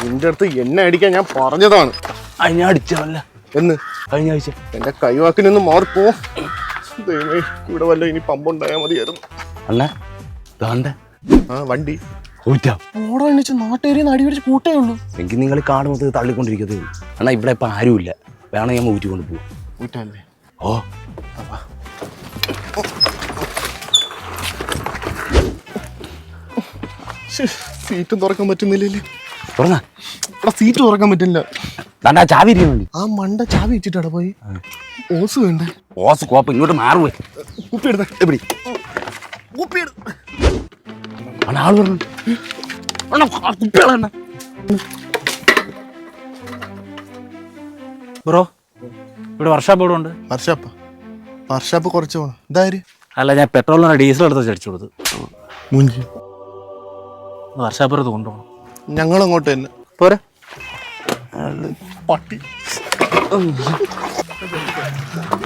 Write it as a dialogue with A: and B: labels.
A: നിന്റെ അടുത്ത് എന്നെ അടിക്കാൻ ഞാൻ പറഞ്ഞതാണ്.
B: ഞാൻ അടിച്ചല്ല
A: എന്ന്
B: കഴിഞ്ഞ ആഴ്ച.
A: എന്റെ കൈവാക്കിനൊന്ന് മാറിപ്പോ. ദൈവമേ, ഇവിടെ വല്ല ഇനി പമ്പുണ്ടായാൽ മതിയായിരുന്നു.
B: അണ്ണാ ദാണ്ട
A: ആ വണ്ടി
B: ഊറ്റാം.
A: ഓടാ എണ്ണിച്ച് നാട്ടുകാരി അടി പിടിച്ച് കൂട്ടേ ഉള്ളൂ.
B: എങ്കിൽ നിങ്ങൾ കാണുമ്പോൾ തള്ളിക്കൊണ്ടിരിക്കത്തേ ഉള്ളൂ. അണ്ണാ ഇവിടെ ഇപ്പം ആരുമില്ല, വേണം ഞാൻ ഊറ്റിക്കൊണ്ട് പോകും.
A: ഊറ്റല്ലേ?
B: ഓ
A: സീറ്റും തുറക്കാൻ പറ്റുന്നില്ലല്ലേ?
B: തുറന്നാ
A: ഇവിടെ സീറ്റ് തുറക്കാൻ പറ്റില്ല.
B: ദാണ്ടാ ചാവി ഇരിക്കുന്നുണ്ട്.
A: ആ മണ്ട ചാവി വെച്ചിട്ടാ പോയി. ഓസ് വേണ്ടേ?
B: ഓസ് കോപ്പ് ഇങ്ങോട്ട് മാറുവേ.
A: കുപ്പി എടുത്ത എവിടെ? കുപ്പി
B: അണ്ണാ ആള് പറഞ്ഞു കുപ്പികളെണ്ണ. ബ്രോ ഇവിടെ വർഷാപ്പ് ഇവിടെ ഉണ്ട്.
A: വർഷാപ്പ് കുറച്ച് പോണം. ഇതാര്?
B: അല്ല, ഞാൻ പെട്രോളിനാണ് ഡീസൽ എടുത്ത് അടിച്ചു കൊടുത്തു.
A: മുഞ്ചി
B: വർഷാപ്പുറത്ത് കൊണ്ടുപോകണം.
A: ഞങ്ങളങ്ങോട്ട് തന്നെ
B: പോരാ.
A: പട്ടി